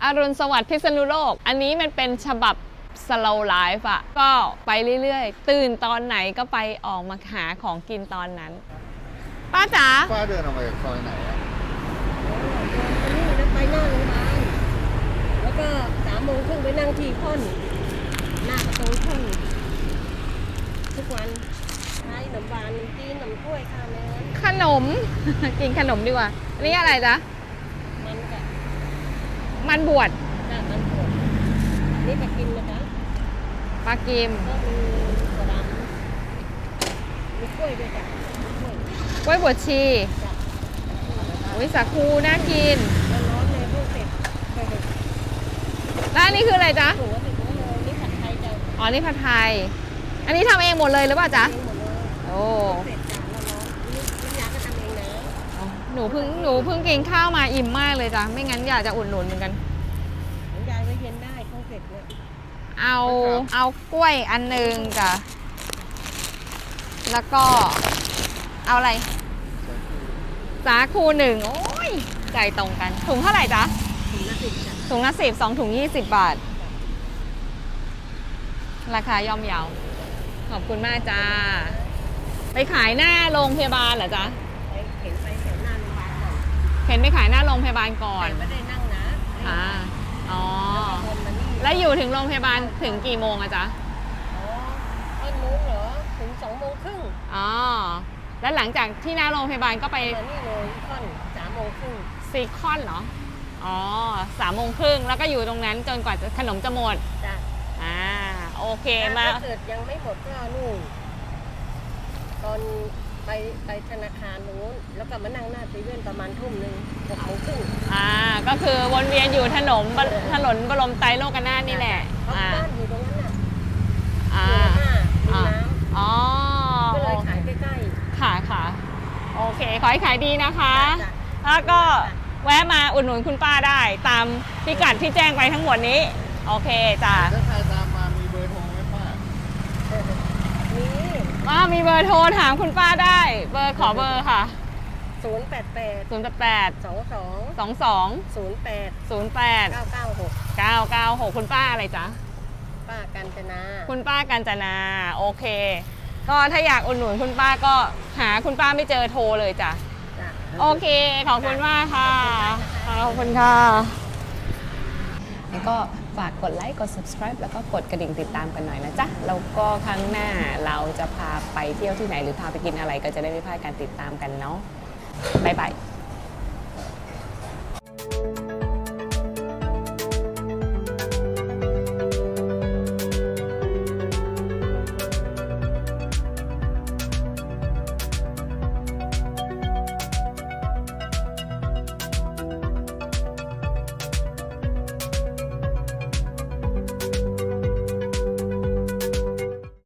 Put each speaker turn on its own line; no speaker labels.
อรุณสวัสดิ์พิษณุโลกอันนี้มันเป็นฉบับสโลว์ไลฟ์อะก็ไปเรื่อยๆตื่นตอนไหนก็ไปออกมาหาของกินตอนนั้นป้าจ๋า
ป้าเดินออกมาจากซอยไหนอะ
นี่นะไปหน้าโรงพยาบาลแล้วก็3:30ไปนั่งที่ค่อนหน้าประตูค่อนทุกวันใช้ขนมหวานขนมจีนขนมกล้วยข้าวเนื้อ
ขนม กินขนมดีกว่าอันนี้อะไรจ๊ะ
มันกับ
มันบวช
มันบวชนี่ไปกินนะจ๊ะ
ปลากิม
ก็มีกระดำมีกล้วยด้วยจ้ะ
กล้วยบวชชีวิสาคูน่ากิน
ร้อนเลยพวกเสร็จ
แล้วอันนี้คืออะไรจ๊ะ
ถูกว่าติดไว้เลยนี่ผัดไทยจ้ะ
อ๋อนี่ผัดไทยอันนี้ทำเองหมดเลยหรือเปล่าจ๊ะโอ้
เสร็จจ้ะร้อนนี่น้ำยาก็ทำเองนะ
หนูเพิ่งกินข้าวมาอิ่มมากเลยจ้ะไม่งั้นอยากจะอุดหนุนเหมือนกัน
น้ำยาไว้เย็นได้ข้าวเสร็จเนี่ย
เอากล้วยอันหนึ่งจ้ะแล้วก็เอาอะไรสาคู1โอ้ยใจตรงกันถุงเท่าไหร่จ๊ะถุงละ10 2ถุง20 บาทราคาย่อมเยาขอบคุณมากจ้าไปขายหน้าโรงพยาบาลเหรอจ๊ะ
เข็นไปแถวหน้าโรงพยาบาลก่อน
เข็นไปขายหน้าโรงพยาบาลก่อน
ไม่ได้นั่งนะ
อ๋อแล้วอยู่ถึงโรงพยาบาลถึงกี่โมงอะจ๊ะ
ต้นโมงเหรอถึง2:30
อ๋อแล้วหลังจากที่หน้าโรงพยาบาลก็ไป
นี่เลยค่อน3:30
ซีคอนเหรออ๋อ3:30แล้วก็อยู่ตรงนั้นจนกว่าขนมจะหมด
จ้ะ
โอเคมา
ถ้าเกิดยังไม่หมดก็นู่นตอนไปธนาคารนู้นแล้วก็มานั่งหน้าเซเว่นประมาณทุ่มนึง
6:30ก็คือวนเวียนอยู่ถนนบรมไตรโลกนาถนี่แหละ
บ้านอยู่ตรงนั้นน่ะมีน้
ำ
ก็เลยขายใกล้
ๆค่ะโอเคขอให้ขายดีนะคะแล้วก็แวะมาอุดหนุนคุณป้าได้ตามพิกัดที่แจ้งไปทั้งหมดนี้โอเคจ้ะ
ถ้าใครตามมามีเบอร์โทรไหมป้า
มีเบอร์โทรถามคุณป้าได้ขอเบอร์ค่ะ
088
22 08 996คุณป้าอะไรจ๊ะ
ป้ากัญจนา
คุณป้ากัญจนาโอเคก็ถ้าอยากอุดหนุนคุณป้าก็หาคุณป้าไม่เจอโทรเลยจ้ะโอเคขอบคุณมากค่ะขอบคุณค่ะแล้วก็ฝากกดไลค์กด subscribe แล้วก็กดกระดิ่งติดตามกันหน่อยนะจ๊ะแล้วก็ครั้งหน้าเราจะพาไปเที่ยวที่ไหนหรือพาไปกินอะไรก็จะได้ไม่พลาดการติดตามกันเนาะบ๊ายบาย